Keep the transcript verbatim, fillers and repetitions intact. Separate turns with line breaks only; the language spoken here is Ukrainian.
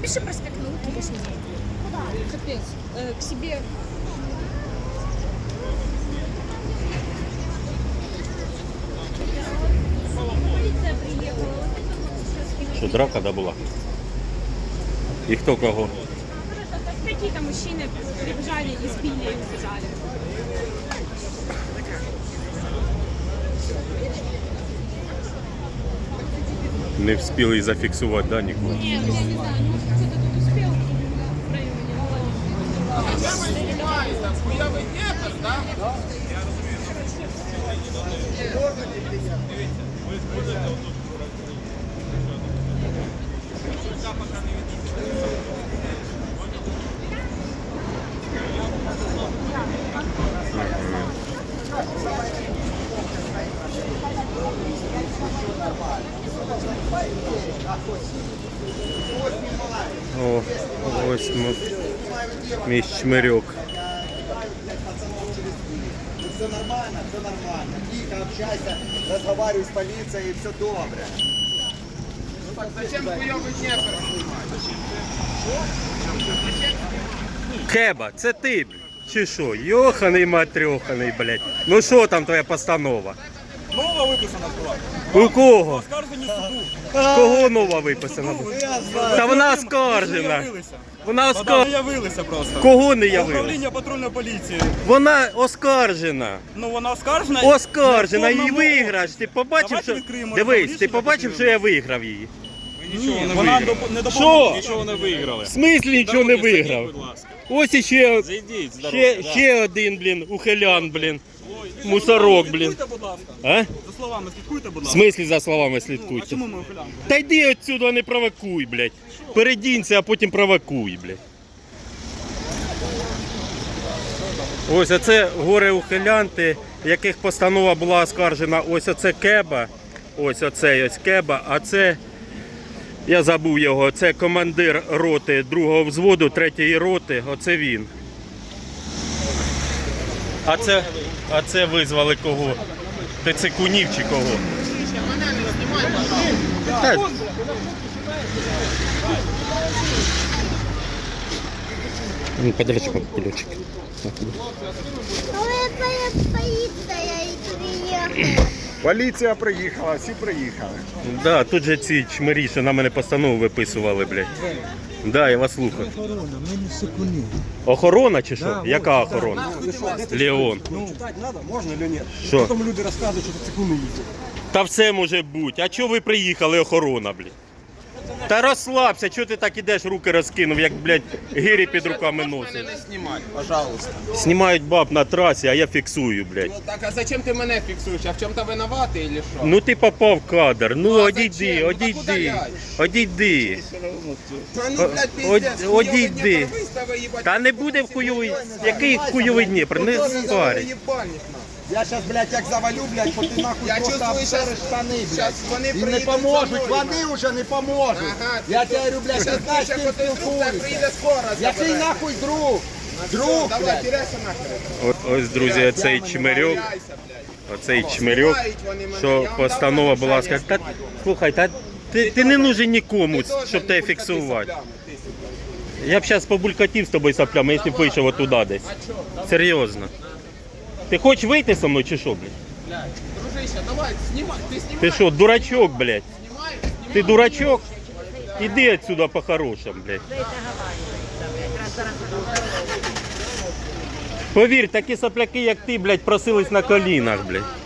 Напиши проспект Науки восемьдесят. Куда? Капец. Э, к себе. Полиция приехала.
Що, драка, да, була? І хто кого?
Какие-то мужчины прибежали, избили и убежали.
Не встигли зафіксувати, да, нікого?
Нет, я не знаю, может кто-то тут успел в районе.
О, ось ми, мій чмирьок.
Все нормально, все нормально. Тихо, общайся, разговаривай с полицией, и все добре.
Зачем хуёвый Днепр снимать?
Кеба, це ти, блядь? Чи що? Йоханий матрьоханий, блядь. Ну що там твоя постанова?
Нова виписана була.
У кого?
Оскаржені суду.
Кого нова виписана? Та вона оскаржена.
Явилися.
Вона
Та
оскаржена.
не явилися просто.
Кого не явилася?
Управління патрульної поліції.
Вона оскаржена.
Ну вона оскаржена.
Оскаржена,
Не в
і
повному
виграш. Ти побачив,
Давайте
що...
відкриємо
Дивись,
рішення,
ти побачив, що я виграв її?
Ні, вона доп- не
Що?
допомогла.
Нічого не виграли.
В смислі нічого не виграв?
Будь ласка.
Ось іще,
Зайдіть, здорово.
ще, ще один, блін, ухилян, блін. Мусорок, блін.
Слідкуйте, будь ласка.
А?
За словами слідкуйте, будь
В
ласка.
смислі за словами
Ну, а
слідкуйте?
чому ми ухилянки?
Та йди отсюди, не провокуй, блядь. Передінься, а потім провокуй, блядь. Ось оце горе-ухилянти, яких постанова була оскаржена. Ось оце Кеба. Ось оцей ось Кеба, а це, я забув його, це командир роти другого взводу, третьої роти, оце він. А це, а це визвали кого? Тецикунів чи кого? Та, ну, подальше ключик.
Полиция и приехала.
Поліція приїхала, всі приїхали.
Да, тут же ці чмирі, що на мене постанову виписували, блядь. Да, я вас слухаю.
Охорона, ми не секуні.
Охорона чи що?
Да,
Яка
вот,
охорона?
да.
Леон.
Ну, читати треба, можна чи ні?
Що?
Потім люди розказують, що це секунди їздять.
Та все може бути. А чого ви приїхали, охорона, блядь? Та розслабся, чого ти так ідеш, руки розкинув, як, блядь, гирі під руками носиш.
Мене не знімати, пожалуйста.
Знімають баб на трасі, а я фіксую, блядь.
Ну так, а зачем ти мене фіксуєш? А в чому-то винуватий или що?
Ну ти попав в кадр. Ну
а
одійди,
зачем? Ну, так
одійди,
удаляй.
одійди.
Та ну, блядь,
Од-
пиздец,
одійди.
хуйовий Дніпро вистави, їбать.
Та не буде в хуйовий, який хуйовий Дніпр, не
Хуйовий
спарить.
їбальник, нахуй.
Я зараз, блядь, як завалю, блядь, бо ти нахуй
Я
просто
чувствую,
обсереш
щас-
штани, блядь.
щас вони
І не
приїдуть
поможуть,
за мною,
вони вже не поможуть.
Ага,
Я
ти
тебе говорю, блядь,
Щас
ти знаєш,
більше,
ким
коли друг тебе
спілкуєшся.
приїде скоро.
Який
забере.
нахуй друг? Друг,
Давай,
блядь.
тіряйся нахер.
О- Ось, друзі, оцей чмирьок,
Тіряйся, блядь.
оцей чмирьок, що постанова була сказана. Та, слухай, та ти, ти не нужен нікому, щоб тебе фіксувати. Я б зараз побулькатів з тобою соплями, якщо б вийшов отуда десь. Серйозно. Ти хочеш вийти зі мною чи що, блядь?
Блядь, дружище, давай, знімай, ти знімай.
Ти що, дурачок, блядь?
Знімай,
Ти дурачок? Іди отсюда по-хорошому, блядь. Повір, такі сопляки, як ти, блядь, просились на колінах, блядь.